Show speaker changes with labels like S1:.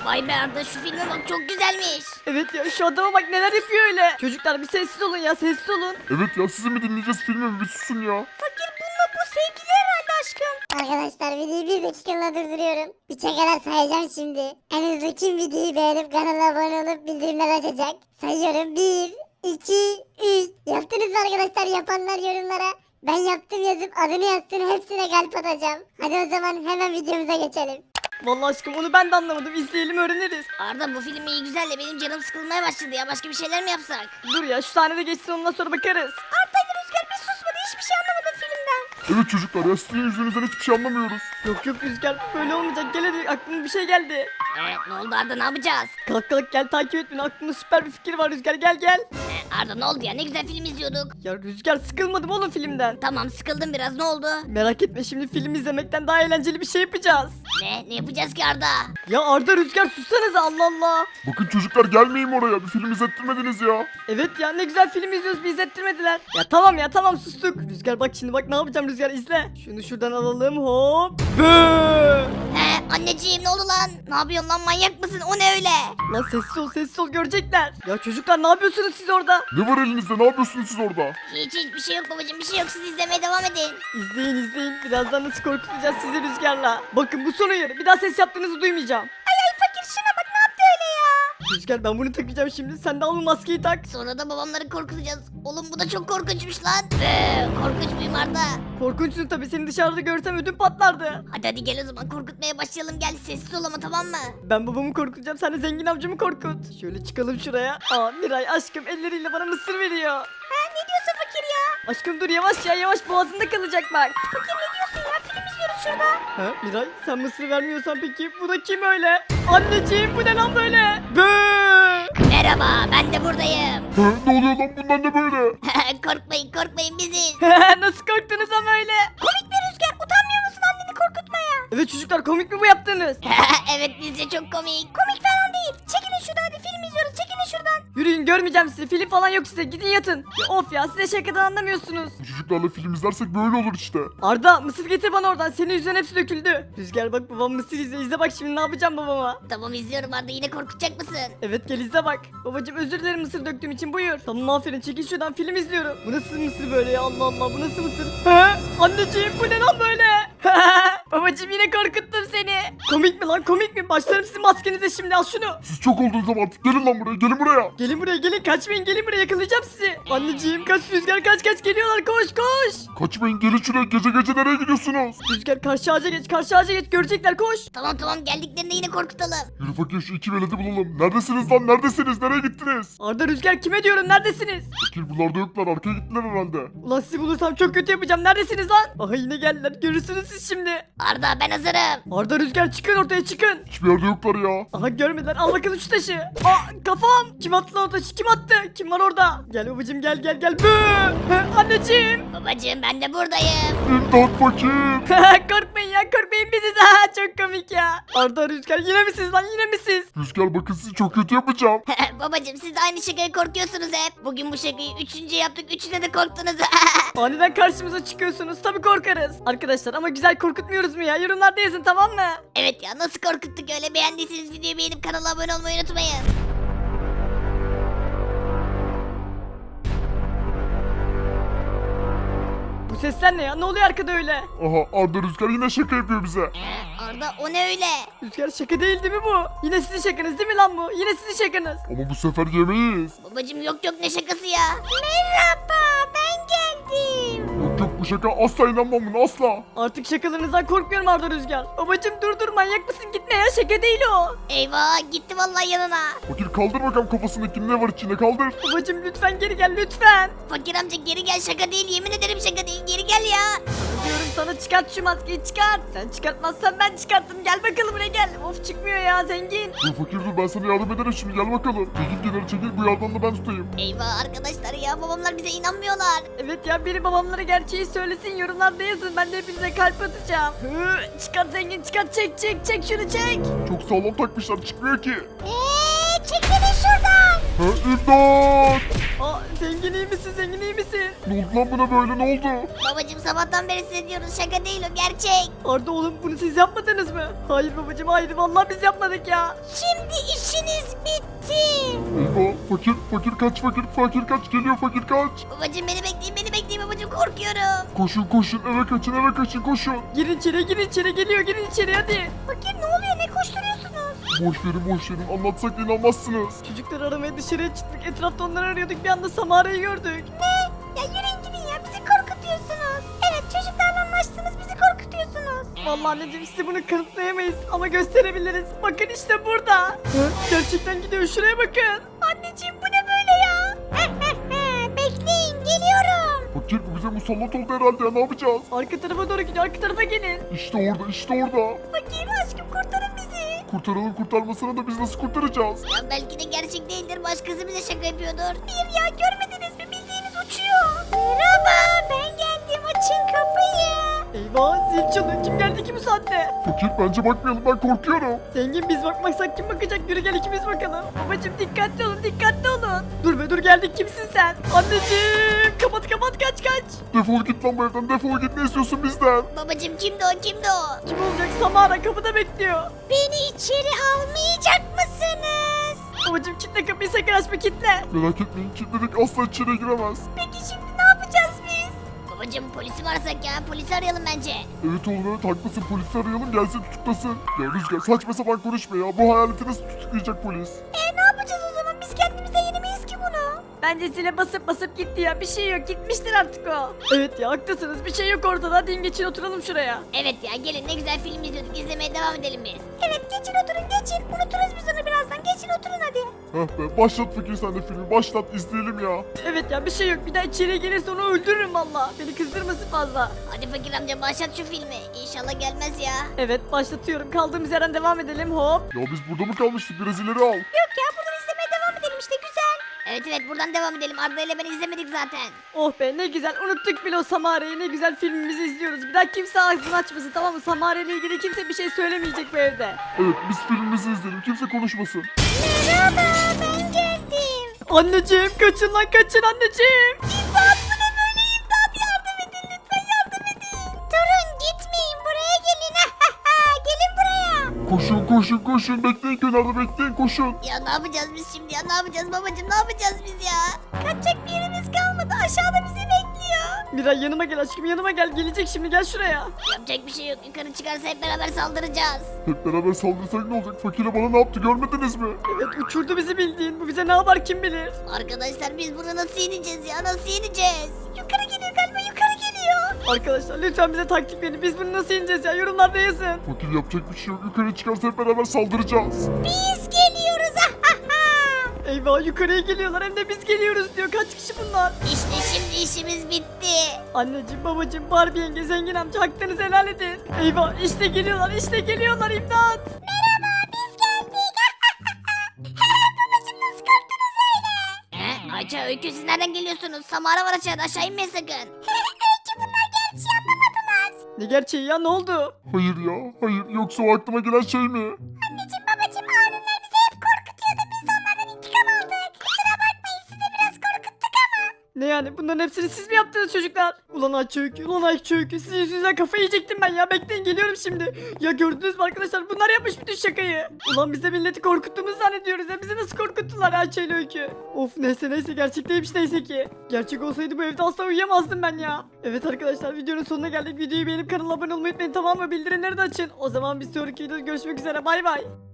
S1: Vay be Arda, şu filme bak, çok güzelmiş.
S2: Evet ya, şu adama bak neler yapıyor öyle. Çocuklar bir sessiz olun ya, sessiz olun.
S3: Evet ya, sizi mi dinleyeceğiz, filmi mi? Bir susun ya.
S2: Fakir, bununla bu sevgili herhalde aşkım.
S4: Arkadaşlar videoyu bir dakikalığına durduruyorum. 3'e kadar sayacağım şimdi. En hızlı kim videoyu beğenip kanala abone olup bildirimler açacak? Sayıyorum. 1, 2, 3. Yaptınız mı arkadaşlar? Yapanlar yorumlara ben yaptım yazıp adını yazsın, hepsine kalp atacağım. Hadi o zaman hemen videomuza geçelim.
S2: Vallahi aşkım onu ben de anlamadım. İzleyelim öğreniriz.
S1: Arda, bu film iyi güzel de benim canım sıkılmaya başladı ya. Başka bir şeyler mi yapsak?
S2: Dur ya, şu sahnede geçsin, ondan sonra bakarız. Arda ile Rüzgar bir susmadı, hiçbir şey anlamadım filmden.
S3: Evet çocuklar ya, sizin yüzünüzden hiçbir şey anlamıyoruz.
S2: Yok yok Rüzgar, böyle olmayacak. Gel hadi, aklıma bir şey geldi.
S1: Ne oldu Arda, ne yapacağız?
S2: Kalk kalk gel, takip et beni. Aklımda süper bir fikir var Rüzgar, gel gel.
S1: Arda, ne oldu ya, ne güzel film izliyorduk.
S2: Ya Rüzgar, sıkılmadım oğlum filmden.
S1: Tamam, sıkıldım biraz, ne oldu?
S2: Merak etme, şimdi film izlemekten daha eğlenceli bir şey yapacağız.
S1: Ne yapacağız ki Arda?
S2: Ya Arda, Rüzgar sussanıza, Allah Allah.
S3: Bakın çocuklar, gelmeyin oraya, bir film izlettirmediniz ya.
S2: Evet ya, ne güzel film izliyoruz, bir izlettirmediler. Ya tamam ya, tamam sustuk. Rüzgar bak şimdi, bak ne yapacağım Rüzgar, izle. Şunu şuradan alalım, hop. Böööö.
S1: Anneciğim, ne oldu lan? Ne yapıyorsun lan, manyak mısın? O ne öyle?
S2: Lan sessiz ol, görecekler. Ya çocuklar, ne yapıyorsunuz siz orada?
S3: Ne var elinizde, ne yapıyorsunuz siz orada?
S1: Hiçbir şey yok babacığım, bir şey yok, siz izlemeye devam edin.
S2: İzleyin, birazdan nasıl korkutacağız sizi Rüzgar'la. Bakın bu son uyarı, bir daha ses yaptığınızı duymayacağım. Ay fakir, şuna bak, ne yaptı öyle ya? Rüzgar, ben bunu takacağım şimdi, sen de al bu maskeyi tak.
S1: Sonra da babamları korkutacağız. Oğlum bu da çok korkunçmuş lan. Korkunç muyum Arda?
S2: Korkunçsun tabii, seni dışarıda görsem ödüm patlardı.
S1: Hadi gel o zaman, korkutmaya başlayalım, gel, sessiz ol ama, tamam mı?
S2: Ben babamı korkutacağım, sen de zengin amcamı korkut. Şöyle çıkalım şuraya. Aa, Miray aşkım elleriyle bana mısır veriyor.
S1: Ne diyorsun fakir ya?
S2: Aşkım dur, yavaş ya, yavaş, boğazında kalacak bak.
S1: Fakir ne diyorsun ya, film izliyoruz şurada.
S2: Ha Miray, sen mısır vermiyorsan peki bu da kim öyle? Anneciğim, bu ne lan böyle? Böööö.
S1: Merhaba, ben de buradayım.
S3: Ne oluyor lan, bundan ne böyle?
S1: korkmayın biziz.
S2: Nasıl korktunuz ama öyle?
S1: Komik bir Rüzgar, utanmıyor musun anneni korkutmaya?
S2: Evet çocuklar, komik mi bu yaptığınız?
S1: Evet, bizce çok komik. Komik falan değil. Çekilin şuradan, hadi film izliyoruz, çekilin şuradan.
S2: Yürüyün, görmeyeceğim sizi, film falan yok size, gidin yatın. Ya of ya, size şakadan anlamıyorsunuz.
S3: Bu çocuklarla film izlersek böyle olur işte.
S2: Arda, mısır getir bana oradan, senin yüzünden hepsi döküldü. Rüzgar bak, babam mısır izle, izle bak şimdi ne yapacağım babama.
S1: Tamam, izliyorum Arda, yine korkutacak mısın?
S2: Evet gel izle bak. Babacım özür dilerim mısır döktüğüm için, buyur. Tamam aferin, çekil şuradan, film izliyorum. Bu nasıl mısır böyle ya, Allah Allah, bu nasıl mısır? He? Anneciğim, bu ne lan böyle? Babacım, yine korkuttum seni. Komik mi lan, komik mi? Başlarım sizin maskenize şimdi, al şunu.
S3: Siz çok oldunuz ama artık, gelin lan buraya, gelin buraya.
S2: Gelin buraya, gelin, kaçmayın, gelin buraya, yakalayacağım sizi. Anneciğim kaç Rüzgar, kaç geliyorlar, koş koş.
S3: Kaçmayın, gelin şuraya, gece gece nereye gidiyorsunuz?
S2: Rüzgar karşı ağaca geç, karşı ağaca geç, görecekler, koş.
S1: Tamam, geldiklerinde yine korkutalım.
S3: Yürü fakir, şu iki veledi bulalım. Neredesiniz lan, neredesiniz, nereye gittiniz?
S2: Arda, Rüzgar, kime diyorum, neredesiniz?
S3: Fakir buralarda yoklar, arkaya gittiler herhalde.
S2: Ulan sizi bulursam çok kötü yapacağım, neredesiniz lan? Aha yine geldiler, görürsünüz siz şimdi.
S1: Arda, ben hazırım.
S2: Arda, Rüzgar, çıkın ortaya, çıkın.
S3: Hiçbir yerde yoklar ya.
S2: Aha görmediler, al bakalım şu taşı. Aa kafam. Kim attı lan o taşı, kim attı? Kim var orada? Gel babacım, gel. Anneciğim.
S1: Babacığım, ben de buradayım.
S3: İmdat fakir.
S2: Korkmayın ya, korkmayın biziz. Ha, çok komik ya. Arda, Rüzgar, yine mi siz lan, yine mi siz?
S3: Rüzgar bakın, sizi çok kötü yapacağım.
S1: Babacığım, siz de aynı şakayı korkuyorsunuz hep. Bugün bu şakayı üçüncü yaptık, üçüne de korktunuz.
S2: Aniden karşımıza çıkıyorsunuz, tabii korkarız. Arkadaşlar ama güzel korkutmuyoruz mu ya? Yorumlarda yazın, tamam mı?
S1: Evet ya, nasıl korkuttuk öyle. Beğendiyseniz videoyu beğenip kanala abone olmayı unutmayın.
S2: Bu sesler ne ya? Ne oluyor arkada öyle?
S3: Aha, Arda Rüzgar yine şaka yapıyor bize.
S1: Arda, o ne öyle?
S2: Rüzgar, şaka değil mi bu? Yine sizin şakanız değil mi lan bu? Yine sizin şakanız.
S3: Ama bu sefer yemeyiz.
S1: Babacığım, yok ne şakası ya? Merhaba, ben geldim.
S3: Yok bu şaka, asla inanmam buna, asla.
S2: Artık şakalarınızdan korkmuyorum Arda, Rüzgar. Babacım dur, manyak mısın? Gitme ya, şaka değil o.
S1: Eyvah, gitti vallahi yanına.
S3: Fakir kaldır bakalım kafasındaki, ne var içinde, kaldır.
S2: Babacım lütfen geri gel, lütfen.
S1: Fakir amca, geri gel, şaka değil, yemin ederim şaka değil, geri gel ya.
S2: Diyorum sana, çıkart şu maskeyi, çıkart. Sen çıkartmazsan ben çıkarttım. Gel bakalım buraya, gel. Of, çıkmıyor ya zengin.
S3: Dur fakir dur, ben sana yardım ederim şimdi, gel bakalım. Çekil kenara, çekil, bu yardan da ben tutayım.
S1: Eyvah arkadaşlar ya, babamlar bize inanmıyorlar.
S2: Evet ya, biri babamlara gerçeği söylesin, yorumlarda yazın. Ben de hepinize kalp atacağım. Çıkart zengin, çıkart, çek şunu, çek.
S3: Çok sağlam takmışlar, çıkmıyor ki.
S1: Çekilin şuradan.
S3: Ha, imdat!
S2: Aa zengin iyi misin zengin iyi misin?
S3: Ne oldu lan buna böyle ne oldu?
S1: Babacım sabahtan beri size diyoruz şaka değil o gerçek.
S2: Arda oğlum bunu siz yapmadınız mı? Hayır babacım hayır vallahi biz yapmadık ya.
S1: Şimdi işiniz bitti.
S3: Eyvah fakir kaç fakir kaç geliyor fakir kaç.
S1: Babacım beni bekleyin babacım korkuyorum.
S3: Koşun eve kaçın koşun.
S2: Girin içeri geliyor girin içeri hadi.
S1: Fakir ne oluyor ne koşturuyorsunuz?
S3: Boş verin anlatsak inanmazsınız.
S2: Çocukları aramaya dışarıya çıktık etrafta onları arıyorduk bir anda Samara'yı gördük.
S1: Ya yürüyün gidin ya bizi korkutuyorsunuz. Evet çocuklarla anlaştınız bizi korkutuyorsunuz.
S2: Vallahi anneciğim size bunu kanıtlayamayız ama gösterebiliriz. Bakın işte burada. Hı? Gerçekten gidiyor şuraya bakın.
S1: Anneciğim bu ne böyle ya? Bekleyin geliyorum.
S3: Fakir bu bize musallat oldu herhalde ya ne yapacağız?
S2: Arka tarafa doğru gidiyor arka tarafa gelin.
S3: İşte orada.
S1: Fakir aşkım kurtarın bizi.
S3: Kurtaralım kurtarmasına da biz nasıl kurtaracağız?
S1: Ya belki de gerçek değildir başkası bize şaka yapıyordur. Bir ya görmediniz mi bildiğiniz uçuyor. Merhaba ben geldim açın kapıyı.
S2: Eyvah zil çalıyor kim geldi ki bu saatte?
S3: Fakir bence bakmayalım ben korkuyorum.
S2: Zengin biz bakmazsak kim bakacak yürü gel ikimiz bakalım. Babacım dikkatli olun. Dur be dur geldik kimsin sen? Anneciğim kapat kaç.
S3: Defol git lan bu evden defol git ne istiyorsun bizden?
S1: Babacım kimdi o?
S2: Kim olacak Samara kapıda bekliyor.
S1: Beni içeri almayacak mısınız?
S2: Babacım kitle kapıyı sakın açma kitle.
S3: Merak etmeyin kilitledik asla içeri giremez.
S1: Peki şimdi ne yapacağız biz? Babacım polisi mi arasak ya? Polisi arayalım bence.
S3: Evet oğlum evet haklısın polisi arayalım gelsin tutuklasın. Ya Rüzgar saçma sapan konuşma ya bu hayaleti nasıl tutuklayacak polis?
S1: Ne yapacağız o zaman? Biz kendimize yenemeyiz ki bunu.
S2: Bence zile basıp gitti ya bir şey yok gitmiştir artık o. Evet ya haklısınız bir şey yok ortada hadi geçin oturalım şuraya.
S1: Evet ya gelin ne güzel film izliyorduk. İzlemeye devam edelim biz. Evet geçin oturun geçin. Unuturuz biz onu birazdan. Geçin oturun hadi.
S3: Heh be başlat fakir sen de filmi başlat izleyelim ya.
S2: Evet ya bir şey yok bir daha içeriye gelirse onu öldürürüm valla. Beni kızdırmasın fazla.
S1: Hadi fakir amca başlat şu filmi. İnşallah gelmez ya.
S2: Evet başlatıyorum kaldığımız yerden devam edelim hop.
S3: Ya biz burada mı kalmıştık biraz ileri al.
S1: Yok ya buradan izlemeye devam edelim işte güzel. Evet buradan devam edelim. Arda ile ben izlemedik zaten.
S2: Oh be ne güzel unuttuk bile o Samara'yı ne güzel filmimizi izliyoruz. Bir daha kimse ağzını açmasın tamam mı? Samara ile ilgili kimse bir şey söylemeyecek bu evde.
S3: Evet biz filmimizi izleyelim kimse konuşmasın.
S1: Merhaba ben geldim.
S2: Anneciğim kaçın lan kaçın anneciğim.
S1: İmdat bu ne böyle imdat yardım edin lütfen yardım edin. Durun gitmeyin buraya gelin. Gelin buraya.
S3: Koşun bekleyin kenarda bekleyin koşun.
S1: Ya ne yapacağız biz şimdi ya ne yapacağız babacım ne yapacağız biz ya? Kaçacak bir yerimiz kalmadı aşağıda bizi bekliyor.
S2: Miray yanıma gel aşkım yanıma gel gelecek şimdi gel şuraya.
S1: Yapacak bir şey yok yukarı çıkarsa hep beraber saldıracağız.
S3: Hep beraber saldırsak ne olacak fakire bana ne yaptı görmediniz mi?
S2: Evet uçurdu bizi bildiğin bu bize ne yapar kim bilir.
S1: Arkadaşlar biz bunu nasıl yeneceğiz ya nasıl yeneceğiz? Yukarı geliyor galiba yukarı geliyor.
S2: Arkadaşlar lütfen bize taktik verin biz bunu nasıl yeneceğiz ya yorumlarda yazın.
S3: Fakir yapacak bir şey yok yukarı çıkarsa hep beraber saldıracağız.
S1: Biz geliyoruz.
S2: Eyvah yukarıya geliyorlar hem de biz geliyoruz diyor kaç kişi bunlar.
S1: İşte şimdi işimiz bitti.
S2: Anneciğim babacığım Barbie yenge zengin amca hakkınızı helal edin. Eyvah işte geliyorlar imdat.
S1: Merhaba biz geldik. Babacım nasıl korktunuz öyle? Ayça Öykü siz nereden geliyorsunuz? Samara var aşağıda aşağı inmeyin sakın. Öykü bunlar gerçeği anlamadılar.
S2: Ne gerçeği ya ne oldu?
S3: Hayır yoksa o aklıma gelen şey mi?
S1: Anneciğim babacım abimler bizi hep korkutuyordu. Biz de onlardan intikam aldık. Kusura bakmayın sizi biraz korkuttuk ama.
S2: Ne yani bunların hepsini siz mi yaptınız çocuklar? Ulan Ayça Öykü sizin yüzünüzden kafayı yiyecektim ben ya bekleyin geliyorum şimdi. Ya gördünüz mü arkadaşlar bunlar yapmış bütün şakayı. Ulan biz de milleti korkuttuğumuzu zannediyoruz ya bizi nasıl korkuttular Ayça ile Öykü. Of neyse gerçekteymiş neyse ki. Gerçek olsaydı bu evde asla uyuyamazdım ben ya. Evet arkadaşlar videonun sonuna geldik videoyu beğenip kanala abone olmayı unutmayın tamam mı bildirimleri de açın. O zaman bir sonraki videoda görüşmek üzere bay bay.